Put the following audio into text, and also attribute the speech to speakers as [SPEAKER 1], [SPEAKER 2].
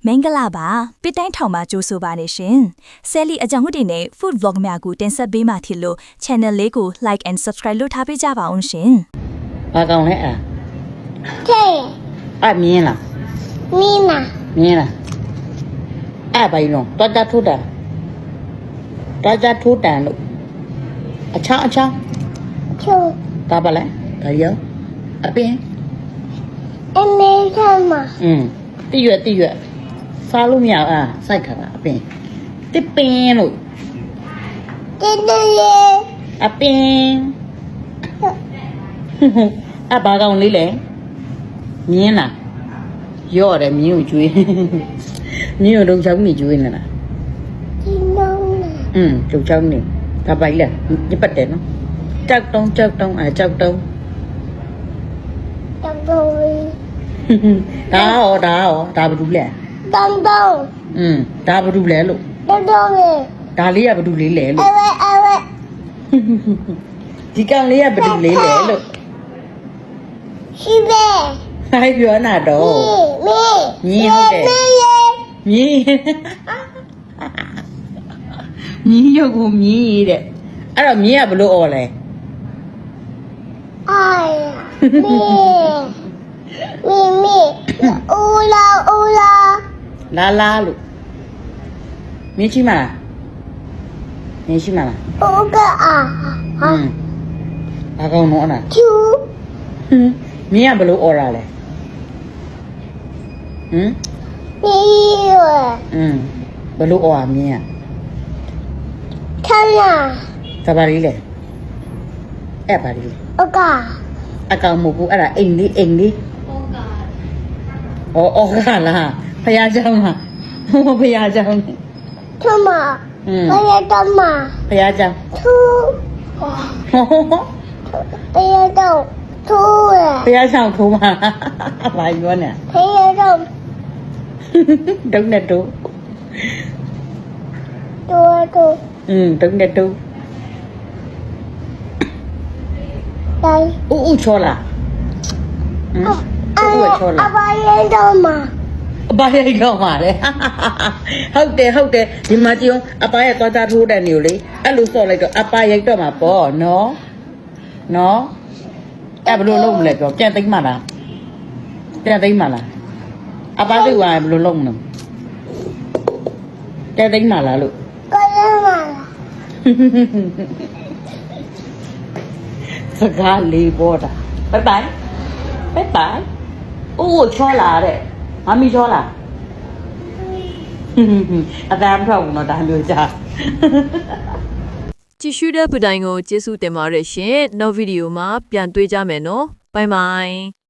[SPEAKER 1] မင်္ဂလာပါပစ်တိုင်းထောင်မှာကြိုးဆိုပါနေရှင်ဆယ်လီအကြောင်းဟုတ်တွေနဲ့ food vlog များကိုတင်ဆက်ပေးမှဖြစ်လို့ channel လေးကို like and subscribe လုပ်ထားပေးကြပါအောင်ရှင်
[SPEAKER 2] ဘာကောင်လဲအဲ့မြင်းလားမြင်းလားအဲ့ဘာလုံးတွားကြထိုးတာလို့အချောင်းချိုးဒါပါလဲဒါရောအပင်
[SPEAKER 3] မေဆမ်းမ
[SPEAKER 2] တိရွက်စားလို့မရအာစိုက်ခါတာအပင်တစ်ပင်လို့အပင်အဘာကောင်လေးလဲမြင်းလားရော့တယ်မြင်းကိုကျွေးမြင်းကိုလုံချောင်းနေကျွေးနေတာလုံချောင်းနေဒါပိုင်လဲညပတ်တယ်နော်ကြောက်တုံးကြောက်တုံးဒါဘာဘူးလဲ
[SPEAKER 3] တောင်း
[SPEAKER 2] ဒါဘာဘူးလဲလို့ဒါလေးကဘာဘူးလေးလဲလို့ဒီကောင်လေးကဘာဘူးလေးလဲလို့
[SPEAKER 3] ရှိပဲ
[SPEAKER 2] ဟိုက်ပြောနာတော့မြင်းဟုတ်တယ်မြင်းရုပ်ကိုမြင်းရတဲ့အဲ့တော့မြင်းကဘလို့អော်လဲ
[SPEAKER 3] မီဦးလာ
[SPEAKER 2] လာလို့မြင်းရှိမလား
[SPEAKER 3] ဦးက
[SPEAKER 2] ဘာကောင်တော့အဲ့
[SPEAKER 3] ကျူ
[SPEAKER 2] မြင်းကဘလို့អော်တာလဲ
[SPEAKER 3] မီ
[SPEAKER 2] ဘလို့អော်မြင်း
[SPEAKER 3] ခလာ
[SPEAKER 2] သဘာလေးလဲအဲ့ဘာလေး
[SPEAKER 3] အ
[SPEAKER 2] ကောင်မဟုတ်ဘူးအဲ့ဒါအိမ်လေးဩကလားဖယားเจ้าလားဖယားเจ้า
[SPEAKER 3] ထမဖယားเจ้าထူဖယားเจ้าထူ
[SPEAKER 2] ဖယားเจ้าထိုးမှာဘာပြောနေ
[SPEAKER 3] ဖယားเจ้า
[SPEAKER 2] တုံးနဲ့တူ
[SPEAKER 3] တုံး
[SPEAKER 2] နဲ့တူ
[SPEAKER 3] တိုင်း
[SPEAKER 2] ဦးချောလား
[SPEAKER 3] အဘရဲ့တော့မှာ
[SPEAKER 2] လေဟုတ်တယ်ဒီမှာကြည့်အောင်အပရဲ့သွားကြထိုးတဲ့နေကိုလေအဲ့လိုဆော့လိုက်တော့အပရိုက်တော့မှာပေါ့နော်အဲ့ဘယ်လိုလုပ်မလဲပြောပြန်သိမ်းမလားအပသိကဘယ်လိုလုပ်မလဲပြန်သိမ်းမလားလို့
[SPEAKER 3] ကိုရမလား
[SPEAKER 2] စကားလေးပေါ်တာဘိုင်ဘိုင်အိုးချောလာတဲ့မမီချောလာအတမ်းဖောက်တော့ဒါမျိုးကြာ
[SPEAKER 1] ကြည့်ရှုတဲ့ပဒိုင်ကိုကျေးဇူးတင်ပါတယ်ရှင်နောက်ဗီဒီယိုမှာပြန်တွေ့ကြမယ်နော်ဘိုင်ဘိုင်